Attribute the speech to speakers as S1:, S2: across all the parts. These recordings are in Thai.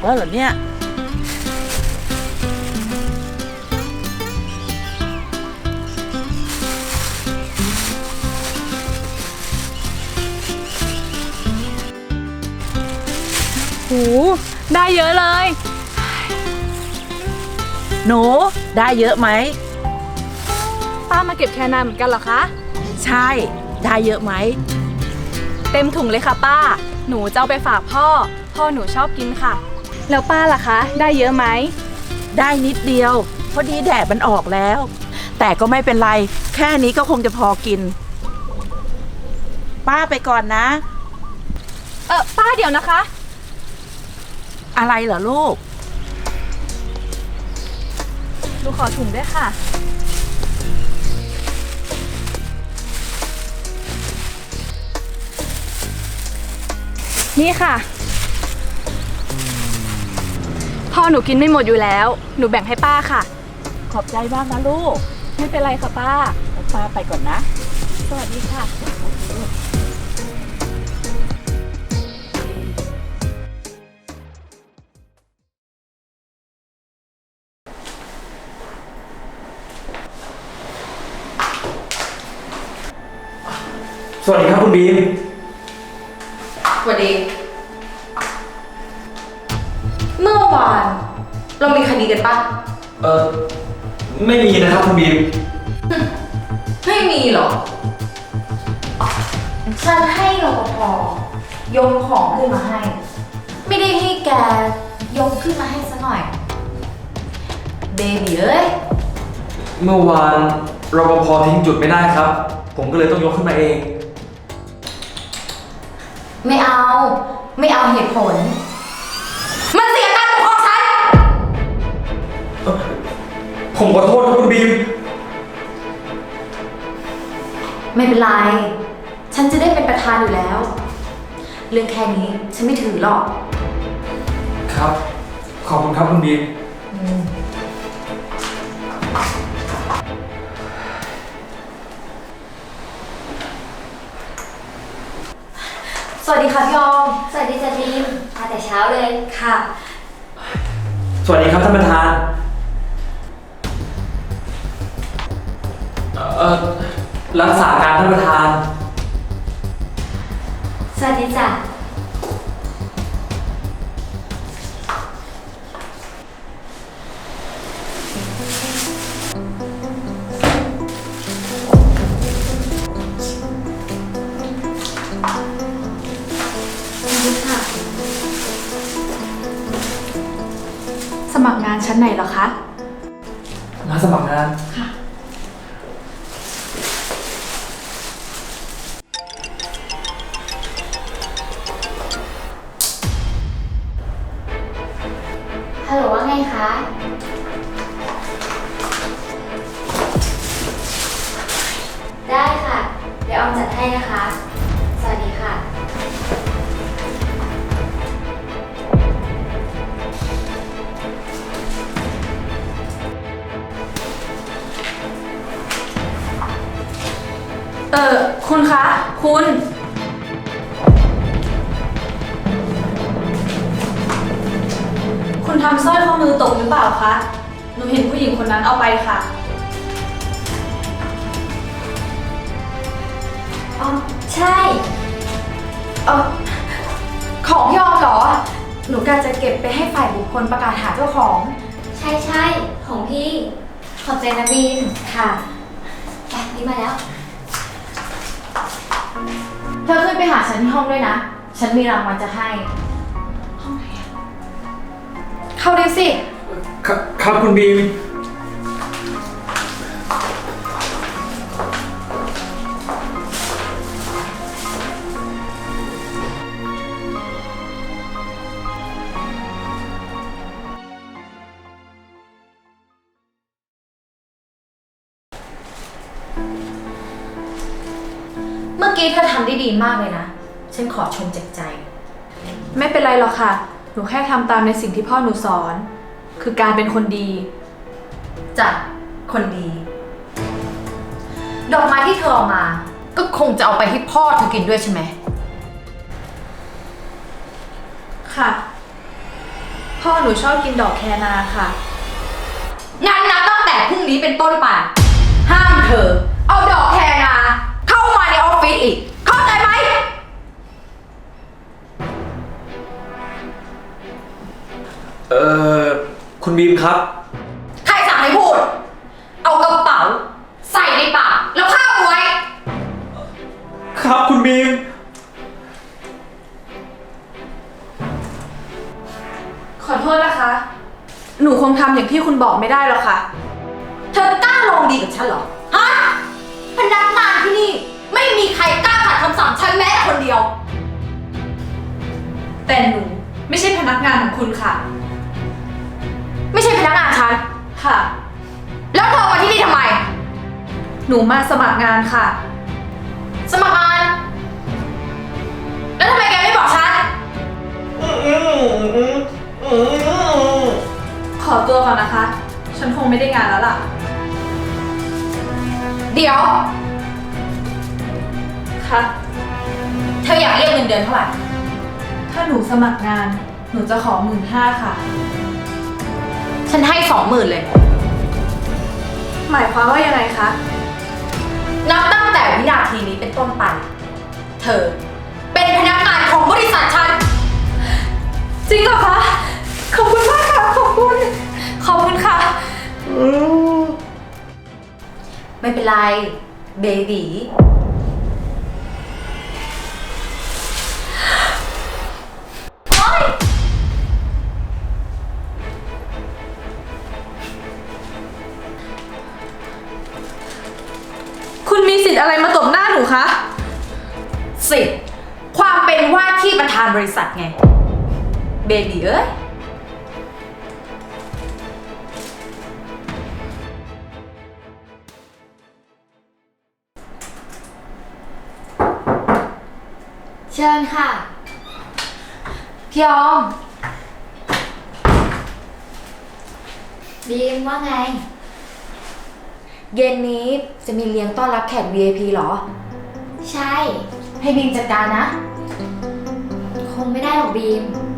S1: แล้วเหรอเนี่ย
S2: หูได้เยอะเลย
S1: หนูได้เยอะไหม
S2: ป้ามาเก็บแคนาเหมือนกันเหรอคะ
S1: ใช่ได้เยอะไหม
S2: เต็มถุงเลยค่ะป้าหนูจะเอาไปฝากพ่อหนูชอบกินค่ะแล้วป้าล่ะคะได้เยอะไหม
S1: ได้นิดเดียวพอดีแดดมันออกแล้วแต่ก็ไม่เป็นไรแค่นี้ก็คงจะพอกินป้าไปก่อนนะ
S2: ป้าเดี๋ยวนะคะ
S1: อะไรเหรอลูก
S2: หนูขอถุงด้วยค่ะนี่ค่ะพ่อหนูกินไม่หมดอยู่แล้วหนูแบ่งให้ป้าค่ะ
S1: ขอบใจมากนะลูก
S2: ไม่เป็นไรค่ะป้า
S1: ป้าไปก่อนนะ
S2: สวัสดีค่ะ
S3: สวัสดีครับคุณบีม
S4: สวัสดีเมื่อวานเรามีคดีกันปะ
S3: ไม่มีนะครับคุณบีม
S4: ไม่มีหรอฉันให้รปภยกของขึ้นมาให้ไม่ได้ให้แกยกขึ้นมาให้ซะหน่อยเบบีเอ้ย
S3: เมื่อวานรปภทิ้งจุดไม่ได้ครับผมก็เลยต้องยกขึ้นมาเอง
S4: ไม่เอาเหตุผลมันเสียการปกครองฉัน
S3: ผมขอโทษครับคุณบีม
S4: ไม่เป็นไรฉันจะได้เป็นประธานอยู่แล้วเรื่องแค่นี้ฉันไม่ถือหรอก
S3: ครับขอบคุณครับคุณบีม
S4: สวัสดีค่ะพี่ออม
S5: สวัสดีจ้ะทีมมาแต่เช้าเลย
S4: ค่ะ
S3: สวัสดีครับท่านประธานรักษาการท่านประธาน
S5: สวัสดีจ้ะ
S2: สมัครงานชั้นไหนเหรอคะ
S3: มาสมัครงาน
S2: ค่ะ
S5: ฮัลโหลว่าไงคะได้ค่ะเดี๋ยวออมจัดให้นะคะสวัสดีค่ะ
S2: คุณคะคุณทำสร้อยข้อมือตกหรือเปล่าคะหนูเห็นผู้หญิงคนนั้นเอาไปค่ะ
S5: อ๋อใช่
S4: ของพี่ออมเหรอหนูกะจะเก็บไปให้ฝ่ายบุคคลประกาศหาเจ้าของ
S5: ใช่ของพี่ขอบใจนะบีนค่ะไปนี่มาแล้ว
S4: เธอขึ้นไปหาฉันที่ห้องด้วยนะฉันมีรางวัลจะให้
S2: ห้องไหนอะ
S4: เข้าได้สิ
S3: ครับคุณบีม
S4: เมื่อกี้เธอทำได้ดีมากเลยนะ ฉันขอชมจากใจ
S2: ไม่เป็นไรหรอกค่ะหนูแค่ทำตามในสิ่งที่พ่อหนูสอนคือการเป็นคนดี
S4: จ้ะคนดี ดอกไม้ที่เธอเอามา ก็คงจะเอาไปให้พ่อเธอกินด้วยใช่ไหม
S2: ค่ะ พพ่อหนูชอบกินดอกแคนาค่ะ
S4: งั้นนับตั้งแต่พรุ่งนี้เป็นต้นไปห้ามเธอ เอาดอกแคนาเข้ามาในออฟฟิศอีก เข้าใจไหม
S3: คุณบีมครับ
S4: ใครสั่งให้พูด เอากระเป๋า ใส่ในปากแล้วข้าบไว้
S3: ครับคุณบีม
S2: ขอโทษนะคะ หนูคงทำอย่างที่คุณบอกไม่ได้หรอกค่ะ
S4: เธอกล้าลองดีกับฉันเหรอ ฮะ พนักงานที่นี่ ไม่มีใครกล้าขัดคำสั่งฉันแม้แต่คนเดียว
S2: แต่หนูไม่ใช่พนักงานของคุณค่ะ
S4: ไม่ใช่พนักงานฉัน
S2: ค่ะ
S4: แล้วเธอมาที่นี่ทำไม
S2: หนูมาสมัครงานค่ะ
S4: สมัครงาน แล้วทำไมแกไม่บอกฉัน
S2: ขอตัวก่อนนะคะ ฉันคงไม่ได้งานแล้วล่ะ
S4: เดี๋ยว
S2: ค่ะ
S4: เธออยากเรียกเงินเดือนเท่าไหร่
S2: ถ้าหนูสมัครงาน หนูจะขอ15,000ค่ะ
S4: ฉันให้20,000เลย
S2: หมายความว่ายังไงคะ
S4: นับตั้งแต่วินาทีนี้เป็นต้นไป เธอ เป็นพนักงานของบริษัทฉัน
S2: จริงเหรอคะ ขอบคุณมากค่ะ ขอบคุณ ขอบคุณค่ะ
S4: ไม่เป็นไร เบบีโอ๊ย
S2: คุณมีสิทธิ์อะไรมาตบหน้าหนูคะ
S4: สิทธิ์ความเป็นว่าที่ประธานบริษัทไง เบบีเอ้ย
S5: เชิญค่ะ
S4: พี่ออม
S5: บีมว่าไง
S4: เย็นนี้จะมีเลี้ยงต้อนรับแขก VIP เหรอ
S5: ใช่
S4: ให้บีมจัดการนะ
S5: คงไม่ได้หรอกบีม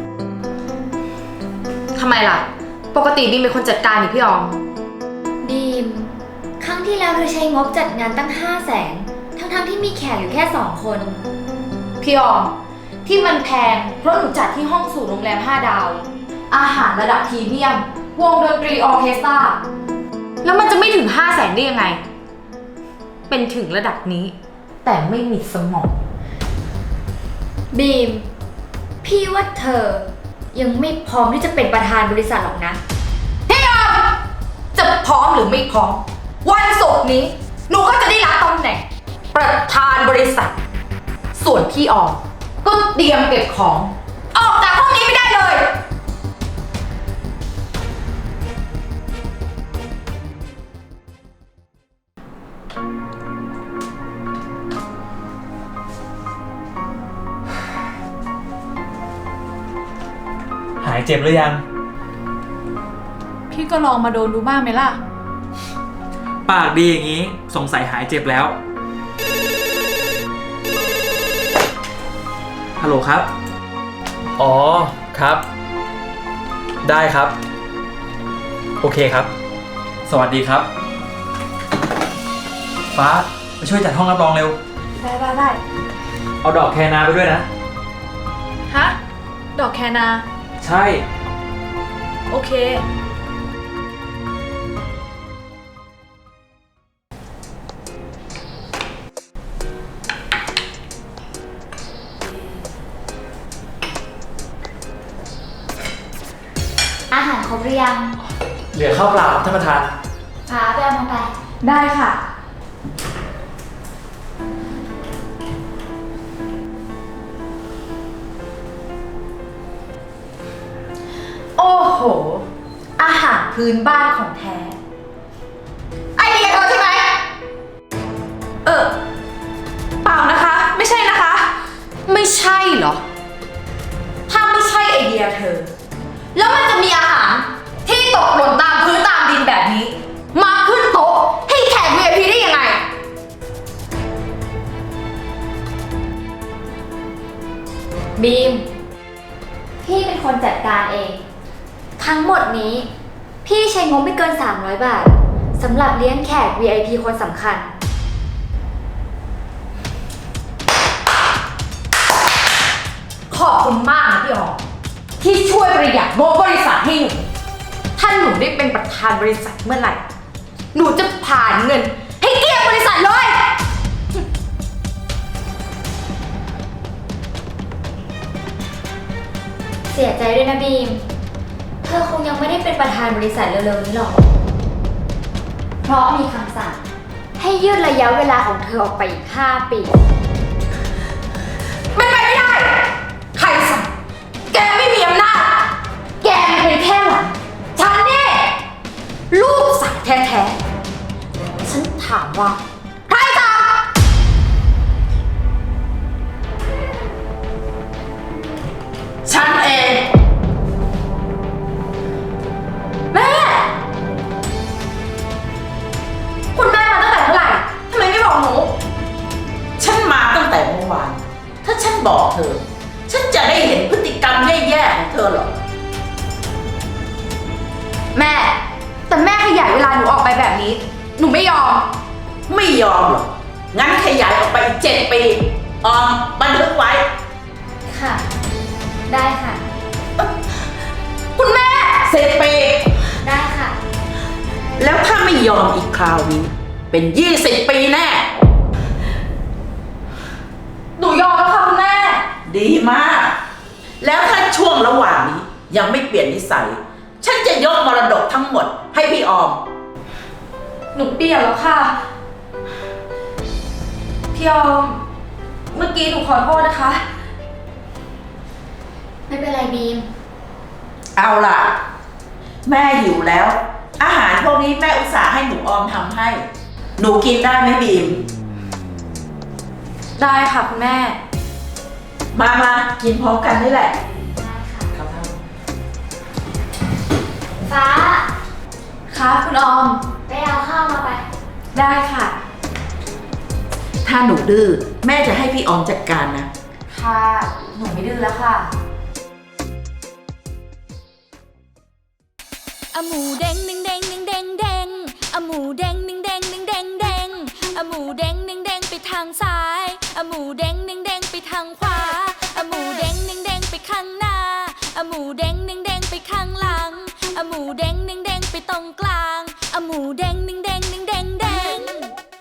S4: ทำไมล่ะ ปกติบีมเป็นคนจัดการนี่พี่ออม
S5: บีม ครั้งที่แล้วเธอใช้งบจัดงานตั้ง500,000ทั้งที่มีแขกอยู่แค่2 คน
S4: พี่ออม ที่มันแพงเพราะหนูจัดที่ห้องสูตรโรงแรม5 ดาว อาหารระดับพรีเมียม วงดนตรีออร์เคสตรา แล้วมันจะไม่ถึง500,000ได้ยังไง เป็นถึงระดับนี้ แต่ไม่มีสมอง
S5: บีม พี่ว่าเธอยังไม่พร้อมที่จะเป็นประธานบริษัทหรอกนะ
S4: พี่ออม จะพร้อมหรือไม่พร้อม วันศุกร์นี้ หนูก็จะได้รับตำแหน่ง ประธานบริษัท ส่วนพี่ออม ก็เตรียมเก็บของ ออกจากห้องนี้ไม่ได้เลย
S3: หายเจ็บหรือยัง
S2: พี่ก็ลองมาโดนดูบ้างไหมล่ะ
S3: ปากดีอย่างนี้สงสัยหายเจ็บแล้ว ฮัลโหลครับ อ๋อ ครับ ได้ครับ โอเคครับ สวัสดีครับ ฟ้ามาช่วยจัดห้องรับรองเร็ว
S2: ได้
S3: เอาดอกแคนาไปด้วยนะ
S2: ฮะ ดอกแคนา
S3: ใช่
S2: โอเค
S5: อาหารครบหรือยัง
S3: เหลือข้าวเปล่าท่านประธาน
S5: ฟ้าไปเอามาไป
S2: ได้ค่ะ
S4: โอ้โห อาหารพื้นบ้านของแท้ ไอเดียเธอใช่ไหม
S2: เปล่านะคะ ไม่ใช่นะคะ
S4: ไม่ใช่เหรอ ถ้าไม่ใช่ไอเดียเธอ แล้วมันจะมีอาหารที่ตกหล่นตามพื้นตามดินแบบนี้ มาขึ้นโต๊ะให้แขก VIP ได้ยังไง
S5: บีม พี่เป็นคนจัดการเองทั้งหมดนี้ พี่ใช้งบไม่เกิน 300 บาทสำหรับเลี้ยงแขก VIP คนสำคัญ
S4: ขอบคุณมากนะพี่ออมที่ช่วยประหยัดงบบริษัทให้หนูถ้าหนูได้เป็นประธานบริษัทเมื่อไหร่ หนูจะผ่านเงิน ให้เกลี้ยงบริษัทเลย
S5: เสียใจด้วยนะบีม เธอคงยังไม่ได้เป็นประธานบริษัทเร็วๆนี้หรอก เพราะมีคำสั่งให้ยืดระยะเวลาของเธอออกไปอีก 5 ปี
S4: ไม่ไปไม่ได้ ใครสั่งแกไม่มีอำนาจ แกเป็นแค่หลานฉันนี่ลูกสาวแท้ๆ ฉันถามว่า ใครสั่งฉันเอง แม่ คุณแม่มาตั้งแต่เมื่อไหร่ทำไมไม่บอกหนู
S1: ฉันมาตั้งแต่เมื่อวาน ถ้าฉันบอกเธอ ฉันจะได้เห็นพฤติกรรมแย่ๆของเธอหรอ
S4: แม่ แต่แม่ขยายเวลาหนูออกไปแบบนี้ หนูไม่ยอม
S1: ไม่ยอมหรอก งั้นขยายออกไปอีก7 ปีออมบันทึกไว้
S5: ค่ะ ได้ค่ะ
S4: คุณแม่
S1: 10 ปี
S5: ได้ค่ะ
S1: แล้วถ้าไม่ยอมอีกคราวนี้ เป็น20 ปีแน่
S4: หนูยอมแล้วค่ะคุณแม่
S1: ดีมาก แล้วถ้าช่วงระหว่างนี้ยังไม่เปลี่ยนนิสัย ฉันจะยกมรดกทั้งหมดให้พี่ออม
S4: หนูเปลี่ยนแล้วค่ะ พี่ออม เมื่อกี้หนูขอโทษนะคะ
S5: ไม่เป็นไรบีม
S1: เอาล่ะ แม่หิวแล้ว อาหารพวกนี้แม่อุตส่าห์ให้หนูออมทำให้ หนูกินได้ไหมบีม
S4: ได้ค่ะคุณแม่
S1: มากินพร้อมกันนี่แหละ
S5: ได้ค่ะ
S3: ครับท่าน
S5: ฟ้า
S4: ค่ะคุณออม
S5: ไปเอาข้าวมาไป
S4: ได้ค่ะ
S1: ถ้าหนูดื้อแม่จะให้พี่ออมจัดการนะ
S4: ค่ะ หนูไม่ดื้อแล้วค่ะ
S6: อะหมูเด้งดึงเด้งดึงเด้งเด้งอะหมูเด้งดึงเด้งดึงเด้งเด้งอะหมูเด้งดึงเด้งไปทางซ้ายอะหมูเด้งดึงเด้งไปทางขวาอะหมูเด้งดึงเด้งไปข้างหน้าอะหมูเด้งดึงเด้งไปข้างหลังอะหมูเด้งดึงเด้งไปตรงกลางอะหมูเด้งดึงเด้ง